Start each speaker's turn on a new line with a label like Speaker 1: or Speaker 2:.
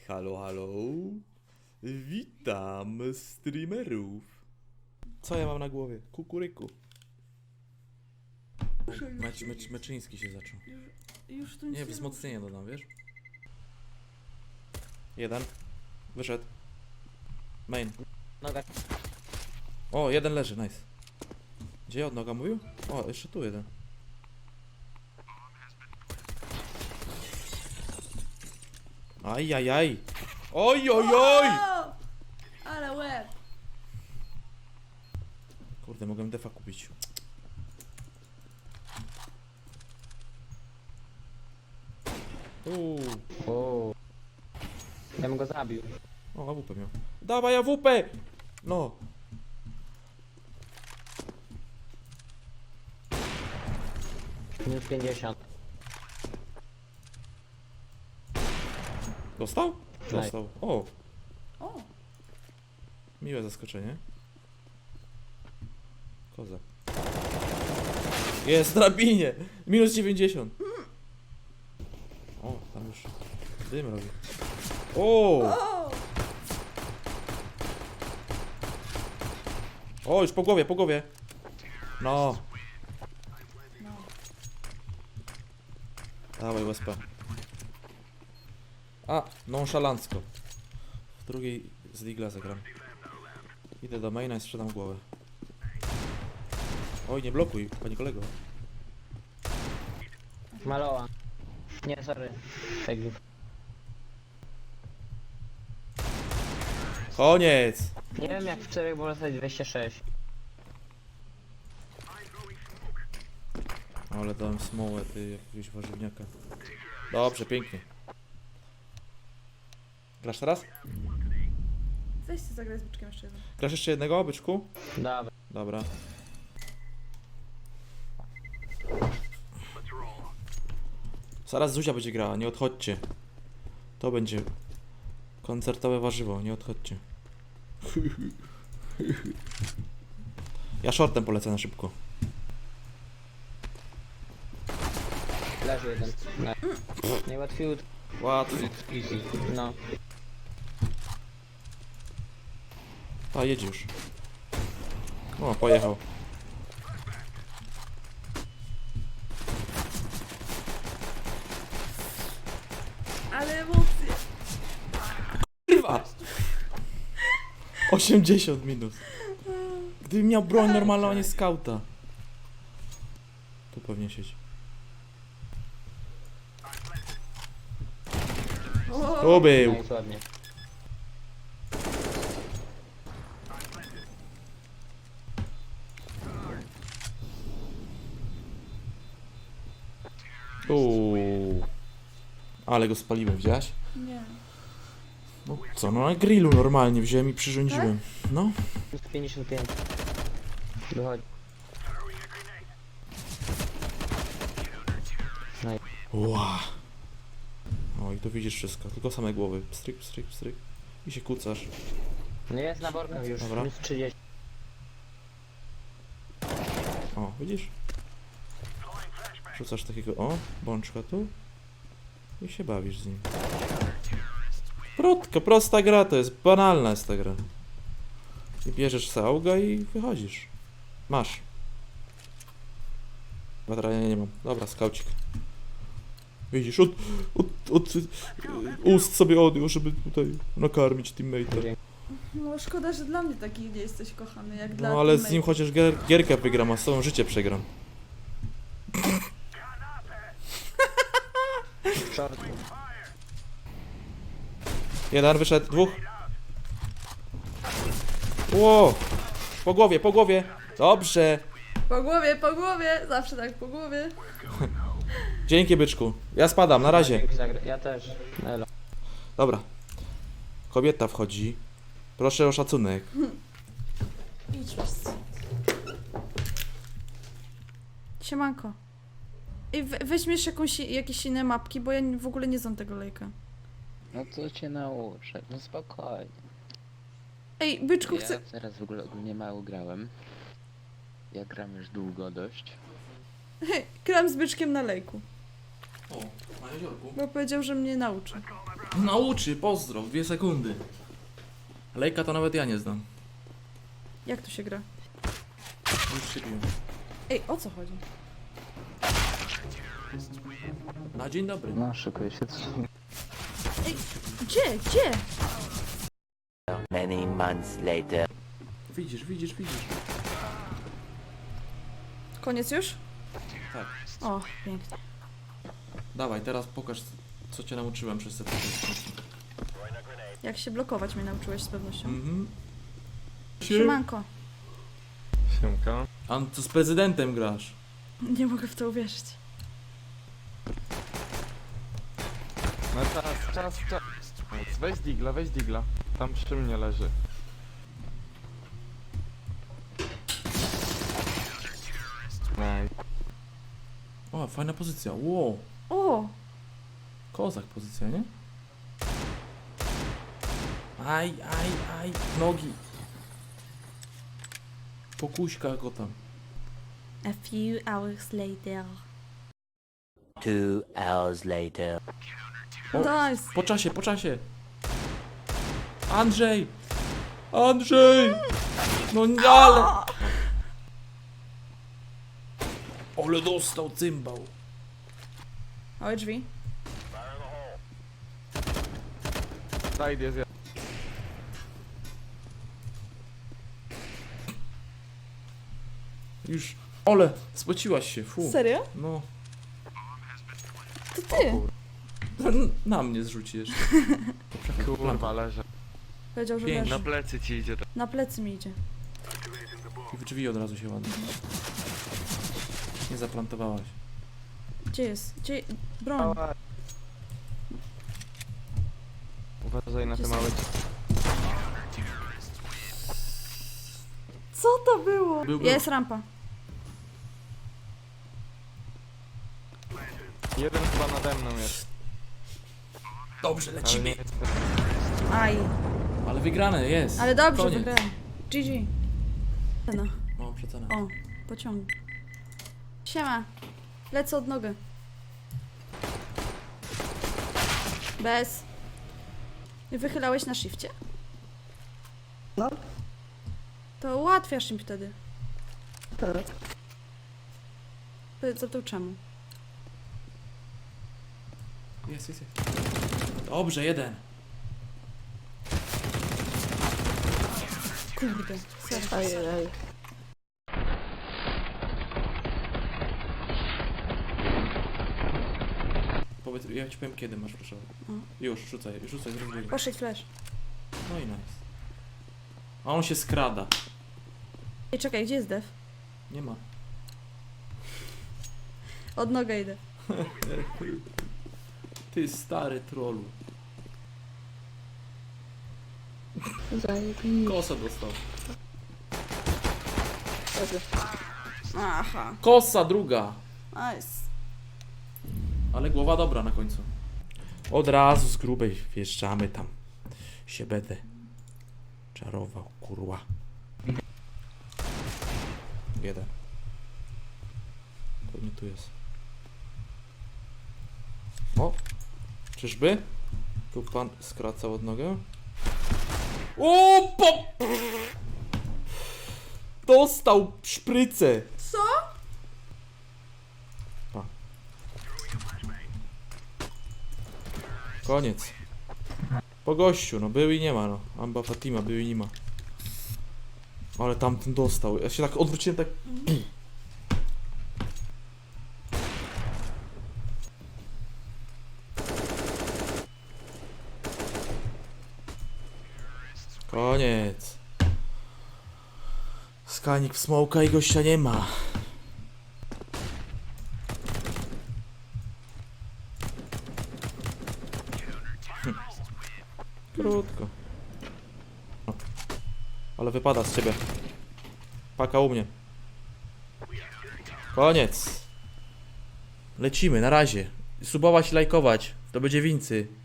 Speaker 1: Halo, halo. Witam streamerów. Co ja mam na głowie? Kukuryku. Meczyński się zaczął.
Speaker 2: Już tu nic
Speaker 1: Nie, wzmocnienie dodam, wiesz? Jeden. Wyszedł. Main.
Speaker 3: Noga.
Speaker 1: O, jeden leży, nice. Gdzie od noga mówił? O, jeszcze tu jeden. Ajajaj. Oj, oj, oj!
Speaker 2: O! Ale łeb!
Speaker 1: Kurde, mogłem defa kupić.
Speaker 3: O. Ja bym go zabił.
Speaker 1: O, AWP miał. Dawaj AWP! No.
Speaker 3: Minus 50.
Speaker 1: Dostał? Dostał. O,
Speaker 2: O!
Speaker 1: miłe zaskoczenie. Kozak. Jest, drabinie! Minus 90. O, tam już dym robi. O!
Speaker 2: O!
Speaker 1: O, już po głowie, po głowie. No.
Speaker 2: No.
Speaker 1: Dawaj USP. A, nonszalancko. W drugiej z Digla zagram. Idę do maina i sprzedam głowę. Oj, nie blokuj, panie kolego.
Speaker 3: Maloła. Nie, sorry. Tak.
Speaker 1: Koniec!
Speaker 3: Nie wiem jak w czterech było zostać 206.
Speaker 1: Ale dałem smołę, ty, jakiegoś warzywniaka. Dobrze, pięknie. Grasz teraz?
Speaker 2: Weźcie zagrać z byczkiem jeszcze jeden.
Speaker 1: Grasz jeszcze jednego, byczku?
Speaker 3: Dobra.
Speaker 1: Dobra. Zaraz Zuzia będzie grała, nie odchodźcie. To będzie koncertowe warzywo, nie odchodźcie. Ja shortem polecę na szybko.
Speaker 3: Leży jeden. Nie. Najłatwiej.
Speaker 1: Łatwo.
Speaker 3: Easy. No.
Speaker 1: A, jedź już. O, pojechał.
Speaker 2: Ale emocje!
Speaker 1: Kurwa! 80 minus. Gdybym miał broń normalną, a nie skauta. Tu pewnie siedzi.
Speaker 2: O!
Speaker 1: Tu był.
Speaker 3: No i ładnie.
Speaker 1: Ale go spaliłem, widziałaś?
Speaker 2: Nie.
Speaker 1: No co, no na grillu normalnie wziąłem i przyrządziłem. No.
Speaker 3: Minus 55. Wychodzi.
Speaker 1: Ła. O i tu widzisz wszystko, tylko same głowy. Pstryk, pstryk, pstryk. I się kucasz.
Speaker 3: No jest na workach już.
Speaker 1: Dobra.
Speaker 3: Minus 30.
Speaker 1: O, widzisz? Rzucasz takiego, o, bączka tu. I się bawisz z nim. Krótka, prosta gra to jest, banalna jest ta gra. I bierzesz sauga i wychodzisz. Masz. Batrania nie mam. Dobra, skaucik. Widzisz, od ust sobie odjął, żeby tutaj nakarmić teammate'a.
Speaker 2: No szkoda, że dla mnie taki nie jesteś kochany, jak dla
Speaker 1: No ale z nim
Speaker 2: teammateów.
Speaker 1: chociaż gierkę wygram, a z tobą życie przegram.
Speaker 3: Short.
Speaker 1: Jeden wyszedł, dwóch. Ło! Po głowie, po głowie. Dobrze.
Speaker 2: Po głowie! Zawsze tak po głowie.
Speaker 1: Dzięki, byczku. Ja spadam, na razie.
Speaker 3: Dzięki za grę. Ja też. Elo.
Speaker 1: Dobra. Kobieta wchodzi. Proszę o szacunek.
Speaker 2: Idź was. Siemanko. I weźmiesz jakieś inne mapki, bo ja w ogóle nie znam tego lejka.
Speaker 4: No to cię nauczę, no spokojnie.
Speaker 2: Ej, byczku,
Speaker 4: Ja
Speaker 2: chcę...
Speaker 4: teraz w ogóle ogólnie mało grałem. Ja gram już długo dość.
Speaker 2: Gram z byczkiem na lejku.
Speaker 1: O, na jeziorku.
Speaker 2: Bo powiedział, że mnie nauczy.
Speaker 1: Nauczy, pozdro, 2 sekundy. Lejka to nawet ja nie znam.
Speaker 2: Jak tu się gra?
Speaker 1: Już się biłem.
Speaker 2: Ej, o co chodzi?
Speaker 1: Na dzień dobry.
Speaker 3: No, szykuje się.
Speaker 2: Ej, gdzie?
Speaker 5: Many months later.
Speaker 1: Widzisz.
Speaker 2: Koniec już?
Speaker 1: Tak.
Speaker 2: O, pięknie.
Speaker 1: Dawaj, teraz pokaż, co cię nauczyłem przez te tygodnie.
Speaker 2: Jak się blokować mnie nauczyłeś z pewnością.
Speaker 1: Mhm.
Speaker 2: Siemanko.
Speaker 6: Siemka.
Speaker 1: A co z prezydentem grasz?
Speaker 2: Nie mogę w to uwierzyć.
Speaker 6: No czas. Weź digla. Tam przy mnie leży. Nej.
Speaker 1: O, fajna pozycja, wow.
Speaker 2: O!
Speaker 1: Kozak pozycja, nie? Aj, nogi. Pokuśka go tam.
Speaker 2: A few hours later.
Speaker 5: 2 hours later.
Speaker 2: Nice!
Speaker 1: Po czasie. Andrzej! No nie, ale... Ale dostał cymbał.
Speaker 2: Małe drzwi.
Speaker 6: Side jest
Speaker 1: Już. Ole, spociłaś się, fu.
Speaker 2: Serio?
Speaker 1: No.
Speaker 2: To ty!
Speaker 1: Na mnie zrzuci jeszcze.
Speaker 6: kurwa leży.
Speaker 2: Powiedział, że
Speaker 1: Pięknie.
Speaker 2: leży.
Speaker 6: plecy ci idzie.
Speaker 2: Na plecy mi idzie.
Speaker 1: I w drzwi od razu się ładnie. Nie zaplantowałaś.
Speaker 2: Gdzie jest? Broń.
Speaker 6: Uważaj na te małe.
Speaker 2: Co to było?
Speaker 1: Był.
Speaker 2: Jest rampa.
Speaker 6: Jeden chyba nade mną jest.
Speaker 1: Dobrze,
Speaker 6: Ale
Speaker 1: lecimy.
Speaker 6: nie jest.
Speaker 2: Aj.
Speaker 1: Ale wygrane jest.
Speaker 2: Ale dobrze,
Speaker 1: Koniec.
Speaker 2: wygrałem. GG. No.
Speaker 1: Mam przecenę.
Speaker 2: O, pociągnij. Siema. Lecę od nogę. Bez. I wychylałeś na shifcie?
Speaker 7: No.
Speaker 2: To ułatwiasz im wtedy.
Speaker 7: Tak.
Speaker 2: Zapytał czemu?
Speaker 1: Jest. Dobrze, jeden.
Speaker 2: Kurde. Sorry.
Speaker 7: Ajajaj.
Speaker 1: Powiedz, ja ci powiem kiedy masz proszę. Już, rzucaj, zrobię.
Speaker 2: Poszedł flash.
Speaker 1: No i nice. A on się skrada.
Speaker 2: Ej, czekaj, gdzie jest dev?
Speaker 1: Nie ma.
Speaker 2: Od nogę idę.
Speaker 1: Ty stary trollu.
Speaker 7: Zajebiście.
Speaker 1: Kosa dostał.
Speaker 2: Aha.
Speaker 1: Kosa druga.
Speaker 2: Nice.
Speaker 1: Ale głowa dobra na końcu. Od razu z grubej wjeżdżamy tam. Się będę czarował, kurwa. Jeden. Pewnie tu jest. O! Czyżby? Tu pan skracał od nogę. O! Dostał szprycę!
Speaker 2: Co?
Speaker 1: Koniec. Po gościu, no był i nie ma, no. Amba Fatima, był i nie ma. Ale tamten dostał. Ja się tak odwróciłem, tak... Koniec. Skanik w smoka i gościa nie ma. Krótko. O. Ale wypada z ciebie. Paka u mnie. Koniec. Lecimy, na razie. Subować, lajkować. To będzie wincy.